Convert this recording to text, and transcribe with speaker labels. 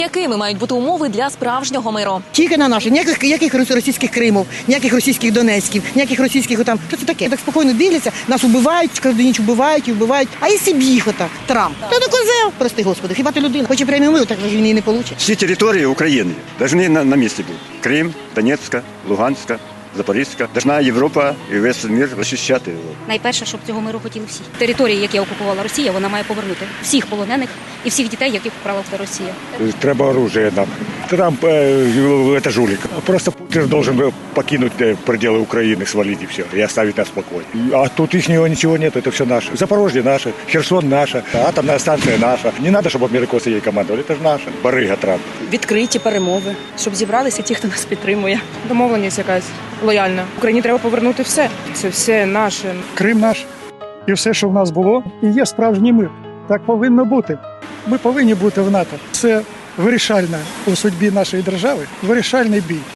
Speaker 1: Якими мають бути умови для справжнього миру?
Speaker 2: Тільки на наші. Ніяких російських Кримов, ніяких російських Донецьків, ніяких російських там. Що це таке? Так спокійно дивляться, нас убивають, кожну ніч убивають і вбивають. А якщо б їх отак, Трамп, то не козел, прости господи, хіба ти людина? Хоче премію миру, так же він її не получить.
Speaker 3: Всі території України повинні на місці бути. Крим, Донецька, Луганська, Запорізька. Должна Європа і весь світ захищати його.
Speaker 4: Найперше, щоб цього миру хотіли всі. Території, які окупувала Росія, вона має повернути всіх полонених і всіх дітей, яких вкрала Росія.
Speaker 5: Треба оружие нам. Трамп это жулик. Просто Путин должен покинуть пределы Украины, свалить и все, и оставить нас в покое. А тут их ничего нет, это все наше. Запорожье наше, Херсон наша, атомная станция наша. Не надо, чтобы американцы ей командовали, это же наше. Барыга Трамп.
Speaker 6: Відкриті перемови, щоб зібралися ті, хто нас підтримує. Домовленість якась лояльна. Україні треба повернути все. Це все наше.
Speaker 7: Крим наш. І все, що в нас було, і є справжній мир. Так повинно бути. Ми повинні бути в НАТО. Це вирішальна у судьбі нашої держави, вирішальний бій.